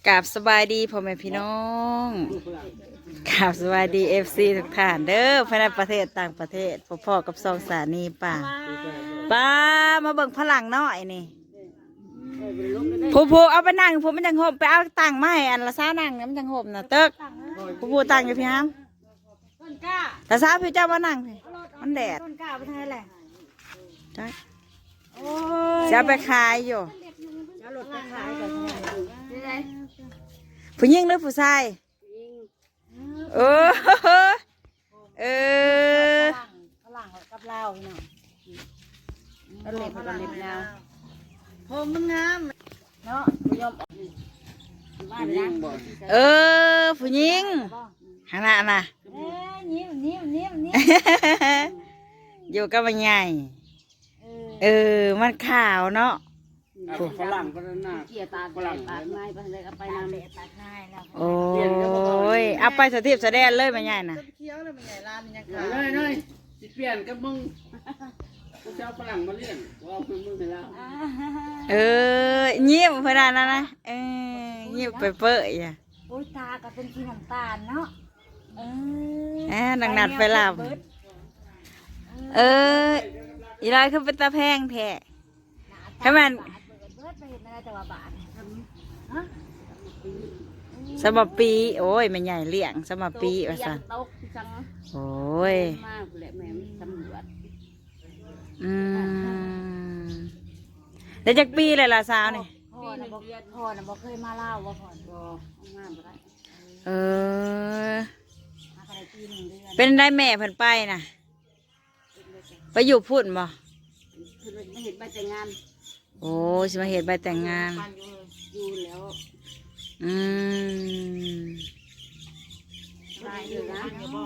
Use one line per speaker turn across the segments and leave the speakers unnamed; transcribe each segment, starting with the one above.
กราบสบายดีพ่อแม่พี่น้องกราบสบายดีFCทุกท่านเด้อภายในประเทศต่างประเทศพ่อกับสองสานีป่ามาเบิ่งพลังน้อยนี่ผู้เอาไปนั่งผู้มันจังห่มไปเอาตังค์มาให้อันละซ่านั่งเนี่ยมันจังห่มน่ะเติ๊กผู้ตังอยู่พี่ฮัมแต่ซ่าพี่เจ้าว่านั่งพี่มันแดดจะไปขายอยู่ผู้หญิงหรือผู้ชายเออ
ฝรั่งกับลาวพี่น้องก็เล็บกับเล็บยาวผมมันงามเนาะผู้ยอม
ผู้หญิงขนาดน่ะ
ยิ้ม
อยู่กับมันใหญ่มันขาวเนาะ
ฝรั่งก็น่า
เกี่ยตาฝรั่งตาไม้ไปเลยเอาไปนำตาไม้แล้ว
โอ้ยเอาไปสถิตแสดงเลยมันใหญ่น่ะ
เคี้ยวเลยมันใหญ่ร้านยังขาย
น้อยสิเปลี่ยนกับมึงกูจะเอาฝรั่งมาเลี้ยงว่ามึงไปแล้ว
ยิ้มเพื่อนนะยิ้มไปเปื่อยอ่ะ
โอ้ยตาก็เป็นสีน้ำตาลเนาะ
นัดไปลำอีไรคือเป็นตาแพงแท้ให้มันสมปีโอ้ยมันใหญ่เลี้ยงสมปีว่าสันโอ้ยได้จากปีเลยล่ะสาวนี่
พ่อน่ะบอกเคยมาเล่าว่าพ่อบอกงามไป
เป็นได้แม่เพิ่นไปนะไปอยู่พุ่นบ่
มาเห็นใบแต่งงาน
โอ้สิมาเห็นใบแต่งงาน
อยู่แล้วได้อยู่นะ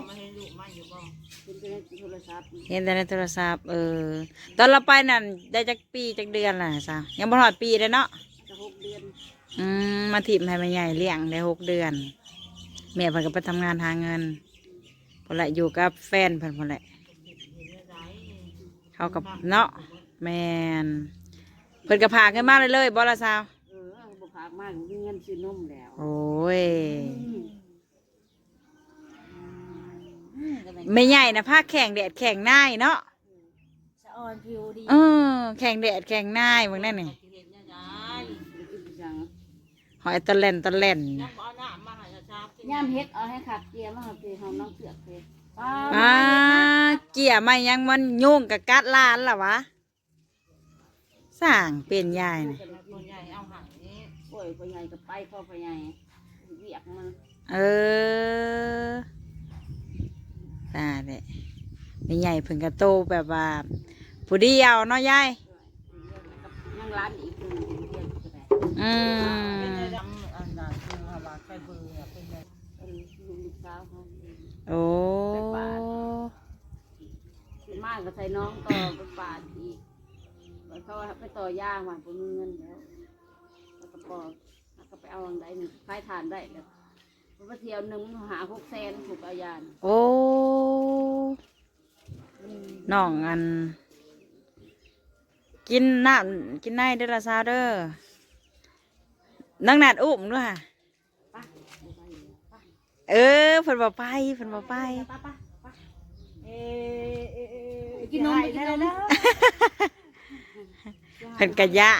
เห็นแต่ในโทรศัพท์ตอนเราไปนั่นได้จากปีจากเดือนล่ะสาวยังบ่ถอดปีเลยเนาะ
จะ6 เดือน
มาถิ่มให้มันใหญ่เลี้ยงได้6 เดือนแม่เพิ่นก็ไปทำงานหาเงินพอละอยู่กับแฟนเพิ่นพอละเขากับเนาะแมนเพิ่นก็พาขึ้นมาเลยบ่ละสาว
บ่พากมากมีเงินซื้อนมแล้ว
โอ้ยไม่ใหญ่นะผ้าแข่งแดดแข่งหน้าเนาะ
สะออนผิวดี
แข่งแดดแข่งหน้าเบิ่งนั่นนี่หอยตะเล่น
ย่ามเฮ็ดเอาให้ขับเกียร์มาขับเกียร์ของน้องเสือกเพชร
เกี่ยไม่ยังมันยุ่งกับกัดล้านล่ะวะสร้างเป็นใหญ่
นะป่วยพ่อใหญ่กับไปพ่อใหญ่เวียกมัน
ตาเด็ไม่ใหญ่เพิ่งกระโตแบบว่าผู้เดียวเนาะยาย
ยังร้านอีก
โอ้
มากก็ใส่น้องต่อไปป่าอีกเขาไปต่อย่างมาผมมีเงินแล้วก็ไปเอาอันใดหนึ่งคลายฐานได้แบบไปเที่ยวหนึ่งหา600,000ถูกเอายาน
โอ้น้องอันกินน้ำกินไนเด้อละซาเด้อนั่งนัดอุ้มด้วยค่ะเพิ่นบ่ไป
กินนมกินนม
เพิ่นกะยะ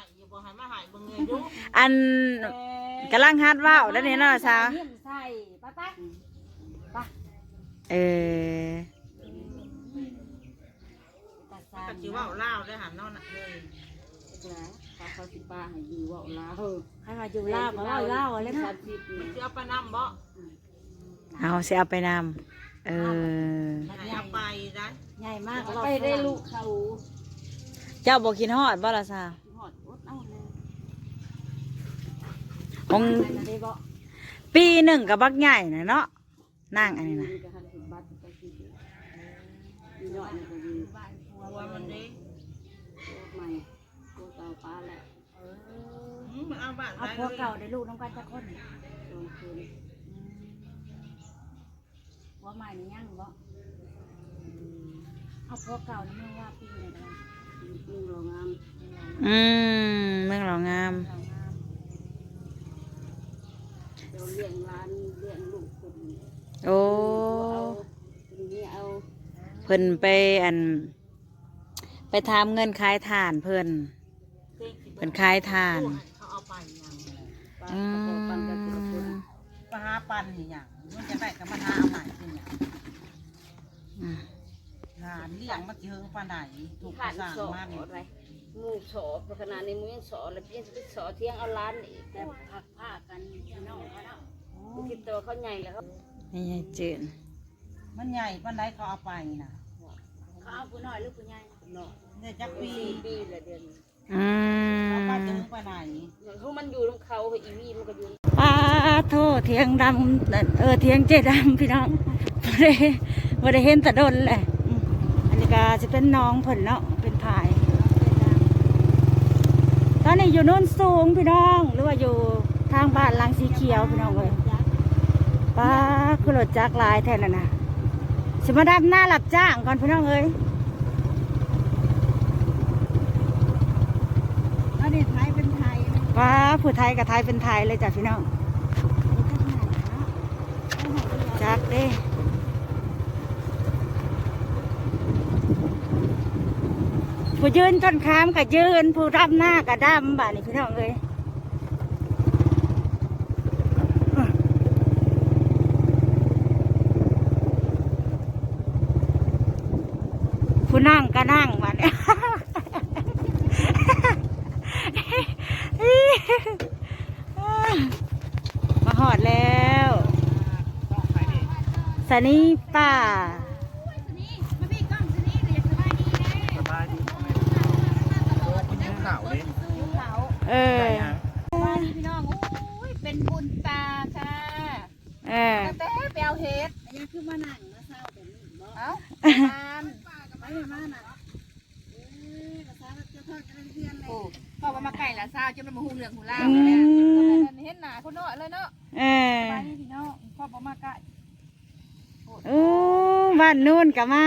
อันกำลังฮัดว่าวแล้วนี่เนาะสาว
ก็จีว่าเล่าได้หันนอนเลย
เขาสิป้าให้อยู่ว่าเล่าให้มาอยู่เล่าก็เล่าอะไรนะ
จะเอาไปนำบ่
เอาเสียเอาไปนำ
เอาไปได้
ใหญ่มากไปได้ลูกเขา
เจ้าบอกกินฮอดบ่ละซาของปีหนึ่งกับบักใหญ่นะเนาะนั่งอันนี้นะ
เอาพวกเก่าได้ลูกน้องกันจะคนว่าใหม่นี่ยังบ่เอาพวกเก่านี่ไม่ว่าปีไหนกันเมืองหล่องาม
เมืองหล่องาม
เราเลี้ยงร้านเลี้ยงลูกคน
โอ้
นี่เอา
เพิ่นไปไปทำเงินขายถ่านเพิ่นขายถ่าน
เขาเอาไปยัง
อื
ปันกันทีละคน
ม
มาหาปันนี่อย่างมันจะได้กับมันหาเอาใหม่เป็นอย่าง
อืม
งานเลี้ยงมันเยอะปานไหนถูกสร้างมากเลยมูสอประขนาดในมือสอแล้วเพี้ยนสอเที่ยงเอาล้านอีกแต่ผักผ้ากันพี่น้องเขาเนาะคิดตัวเขาใหญ่แล้วครับ
นี่ยายจืด
มันใหญ่ปานไหนเขาเอาไปนะเขาเอาผู้น้อยหรือผู้ใหญ่น้อยเนี่ยจักปีละเดือน
อื
เขาไป
ม
ถึงไปไหนเขามันอยู่ตรงเขาอีวีมันก็อยู่
ป้าโทษเทียงดำเทียงเจดำพี่น้องบ่ได้เห็นแต่โดนแหละอืมอันนี้ก็จะเป็นน้องเพิ่นเนาะเป็นผายตอนนี้อยู่โน่นสูงพี่น้องหรือว่าอยู่ทางบ้านหลังสีเขียวพี่น้องเลยป้าคือรถจักรลายแทนน่ะนะสิมาดับหน้าหลับจ้างก่อนพี่น้องเอ้ย
อันนี้ไทยเป็นไทย
ป้าผู้ไทยกับไทยเป็นไทยเลยจ้ะพี่น้องจักเด้ผู้ยืนต้นขามกับยืนผู้รับหน้ากับดำบ่านี่พี่น้องเอ้ยผู้นั่งก็นั่งบ่านี่ มาหอดแล้วสนีป่า
สบายดีโอ้คุณยิ้มขาวเลย
เออ
ว่านี่พี่น้องโอ้ยเป็นบุญตาค่ะ
เออ
แต่ไปเอาเฮ็ดยังคือมานั่งมาเศร้าแบบนี้บ่เอ้าทานไปมาน่ะภาษาจะทอดกันเรียนเลย
พอมาไก่ละซาวจนมันมาหูเหลืองหูล่าง
อื
เลย
ม
เห็นหนาคนน้อยเลยเนาะ
เออ
ไปนี่พี่น้องพ่อมาไก่
โอ้บ้านนู่นกับมา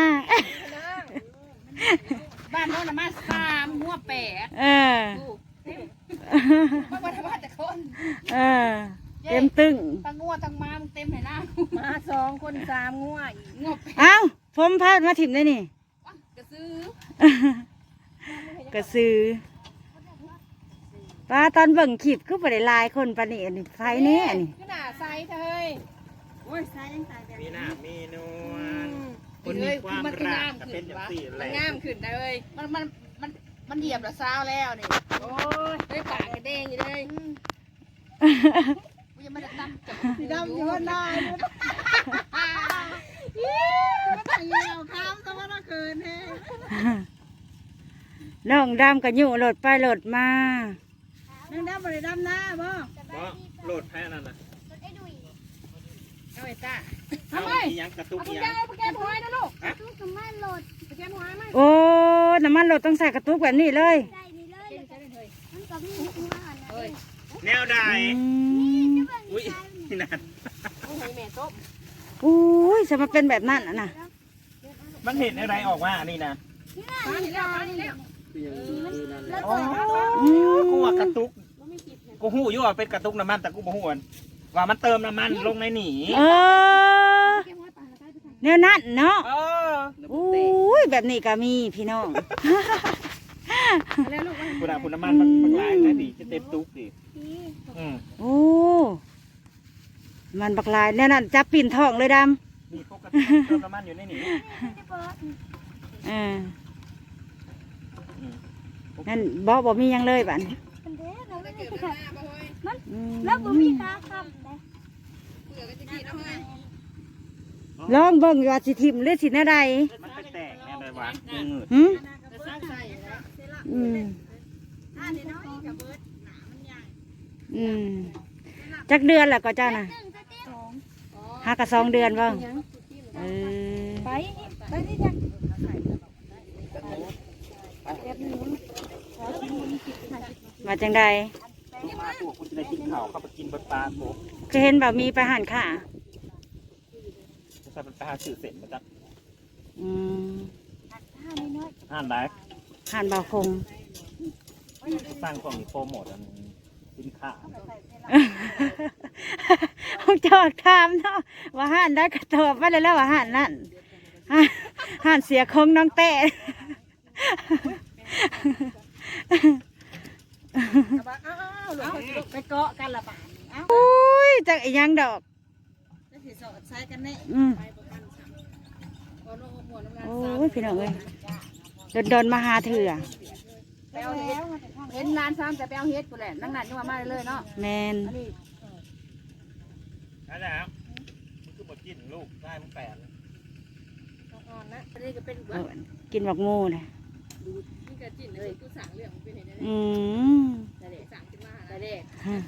บ้านโน้นมา3หัวแปด
เออ
มาทำมาแต่คน
เออ เต็มตึง
ทั้งงัวทั้งม้ามึงเต็มเลยนะ
มา2 คน3งัวอีก
งัวแปด
เอ้าผมพาดมาถิ่มได้นี่
กระซื้อก
ระซื้อป้าตอนเบิ่งคลิปก็บ่ได้หลายคนปานนี้อันนี้ไฟแนี่อันนี้
ขนาดไซส์เฮ้ย
โอ้ยใส่ยังใส่แบบ
มีหน้ามีนวล
มันคืองามขึ้นวะมันงามขึ้นเลยมันเหยียบละซาวแล้วนี่โอ้ยได้ปากกระเด้งอยู่เลยกูยังไม่ได้ตั้มจับ
สีดำอยู่บนหน้ามันแต่งยาวข้ามสมรคืนเฮ้
น้องดำกับยู่รถไปรถมา
นั่งดำบริดำหน้าบ่
เพราะโหลดแพ้นั่นน่ะ
เอาไอ้ต้า
เอาอีหยังกระตุก
เอา
อี
ถุง
หยั
ยาง งไปแก้มหอยนะลูก
ฮะ
ถุงมันโหลดไปแก้มหอยไหม
โอ้น้ำมันรถต้องใส่กระตุกแบบนี้เลย
แนวใด
อืม
อุ้ยนี่นั่น
โอ้ยแม่ต้ม
อุ้ยจะมาเป็นแบบนั้นอ่ะนะ
มันเห็นอะไรออกมานี่นะ
มานี่แล้วมานี่แล้ว
อ๋อ
อืม
กูว่ากระตุกกูหูอยู่ว่าเป็นกระตุกน้ำมันแต่กูบ่ฮู้ว่ามันเติมน้ำมันลงในหนี
เออแนวนั้นเนาะ
เออ
อุ้ยแบบนี้ก็มีพี่น้อง
คุณอาคุณน้ำมันมันลายนะดิจะเต็มตุกดิอืม
โอ้มันบักลายแนวนั้นจับปิ่นทองเลยด
มีปกติเติมน้ำมันอยู่ในหนี
ำนั่นบ่มีหยังเลยบัดนี้อืม
เปลือกก็จะกินเอาไง
ลองเบิ่งว่าสิทิมหรือสิแนวใด
มันแตกๆแน่เลยวะมือ
หึ
จะสร้างใส่แล้ว
อืมอืมจักเดือนแหละก็เจ้าน่ะหากะ2 เดือนบ่เออ
ไปนี่จ้ะ
มาจังใด
มาพวกคุณจะได้กินข้าวเข้าไปกินบนปลาโบ
จะเห็นบ่มีไปหันค่ะ
จะใส่เป็นปลาสื่อเสร็จมาจาก
อืม
อ่านได้
หันบ่คง
สร้างความโปรโมทอันสินค้า
จอกถามเนาะว่าห่านได้กระตอบมาเลยแล้วว่าห่านนั่นห่านเสียคงน้องแต่
ไปเกาะกันละบาทเอ้า
อุ้ยจักอีหยังดอก
จะสิสอดใช้กันแน่
โอ้ยพี่น้องเอ้ยโดนมาหาเถื่อ
ไปเอาเฮ็ดเห็นร้านซ้ำแต่ไปเอาเฮ็ดกูแหละนั่งนัดยังมาเลยเนาะ
แมน
อันนี้
นั่นแหละครับมันคือหมดกินลูกได้มันแปด
อ่อนนะอันนี้ก็เป็น
เออกินบักมูนะ
นี่ก็จิ้นเลยกูสั่งเรื่องเป็นเห็นได้
อืม
แต่เด็กสั่งขึ้นมาแต่เด็ก
ฮะ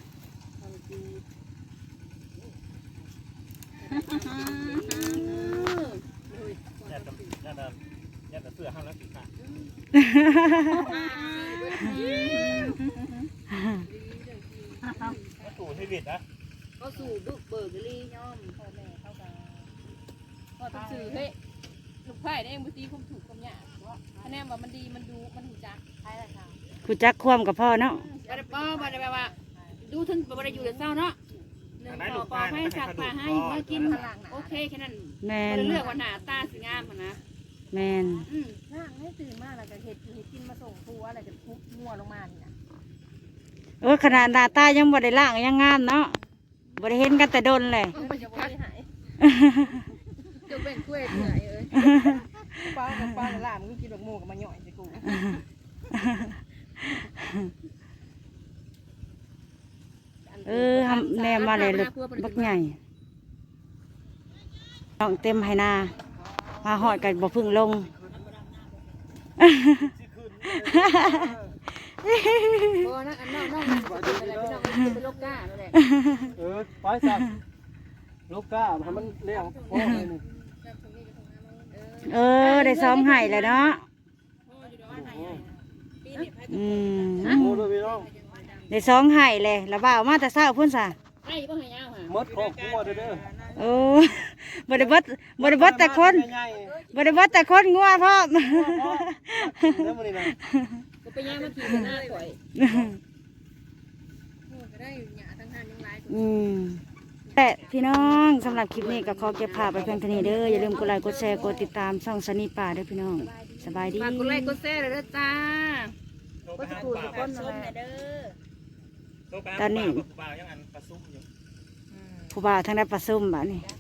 ยัดเสื้อห้ามแล้วสิค่ะมาสู่ชีวิตนะ
ก็สู่บึกเบิกลี่ย่อม
พ่อแม่เข้ากันก็ต้องสื่อเฮ้ยลูกไผ่ได้เองบางทีผมถูกความยากคะแนนว่ามันดีมันดูมันหูจักใช่ละค่ะ
กูจักความกับพ่อเนาะ
บ่ได้ป้อบ่ได้แบบว่าดูถึงบ่ได้อยู่แต่เช้าเนาะหนึ่งปอให้สักปลาให้มากินโอเคแค่นั้น
แม
บ่
น
ได้เลือกว่าหน้าตาสิงามนะ
แมน
นั่งให้ตื่นมาแล้วก็เห็ดกินมาส่งครัวอะไรจะทุบมั่วลงมานี่นะ
โอ้ยขนาดหน้าตายังบ่ได้ล่างยังงามเนาะบ่ได้เห็นกันแต่โดนเลย
มันจะบ่ได้หายจะเป็นกล้วยเหนื่อยเอ้ยป้ากับป้าล่ามึงกินดอกโมกับมาหน่อยสิกู
ทำแนมมาเลยลูกบักใหญ่น้องเต็มให้นามาหอดกันบ่พึ่งลง
โอ้นั่นอันน้องอะไรพี่น้องเป็นโรคก้านั่นแหละ
ไปสักลูกก้าทำมันเลี้ยงพ่อเลยนี่
ได้ซ้อมไห้เลยเนาะ
โอ้ด้วยพี่น้อง
ได้ซ้อมไห้เลยแล้วบ่าวมาแต่เช้าพุ่นซะ
ไอ้บ่ให้ยาวค่ะ
มดครอบครัวเด้อ
โอ้บ่ได้เบิดแต่คนบ่ได้เบิดแต่คนงัวพ่อม
แล้วมันนี่นะ
ก็ไปย่างมาขี่หน้าข่อยก็ได้อยู่หยาทั้งหันยังไล
แต่พี่น้องสำหรับคลิปนี้ก็ขอเก็บภาพไปเพียงเท่านี้เด้ออย่าลืมกดไลค์กดแชร์กดติดตามช่องสนีป่าเด้อพี่น้องสบายดี
ฝากกดไลค์กดแชร์เลยเด้อจ้า
ก็จะกูทุกคนเลยเด้อตอนนี้บ่าวยังอันประซุ่มอยู่
ผู้บ่าวทางได้ประซุ่มบ้านี่